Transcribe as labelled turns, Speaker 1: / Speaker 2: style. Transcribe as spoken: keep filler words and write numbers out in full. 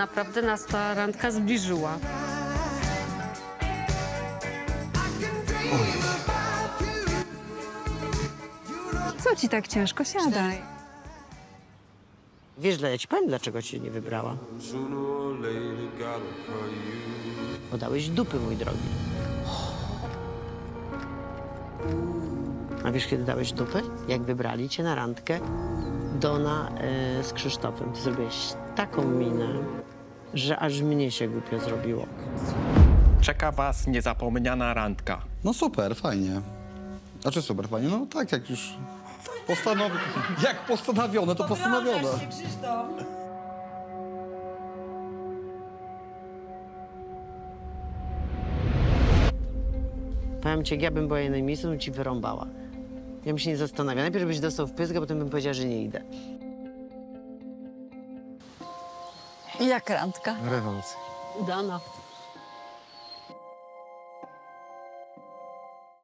Speaker 1: naprawdę nas ta randka zbliżyła.
Speaker 2: Co ci tak ciężko? Siadaj.
Speaker 3: Wiesz, ja ci powiem, dlaczego cię nie wybrała. Bo dałeś dupy, mój drogi. A wiesz, kiedy dałeś dupy? Jak wybrali cię na randkę Dona e, z Krzysztofem. Ty zrobiłeś taką minę, że aż mnie się głupio zrobiło.
Speaker 4: Czeka was niezapomniana randka.
Speaker 5: No super, fajnie. Znaczy super, fajnie, no tak jak już postanowi... Jak postanowione, to postanowione.
Speaker 3: Powiem ci, jak ja bym była jej na miejscu, bym ci wyrąbała. Ja bym się nie zastanawiała. Najpierw byś dostał w pysk, a potem bym powiedziała, że nie idę.
Speaker 2: Jak randka?
Speaker 5: Rewelacja.
Speaker 1: Udana.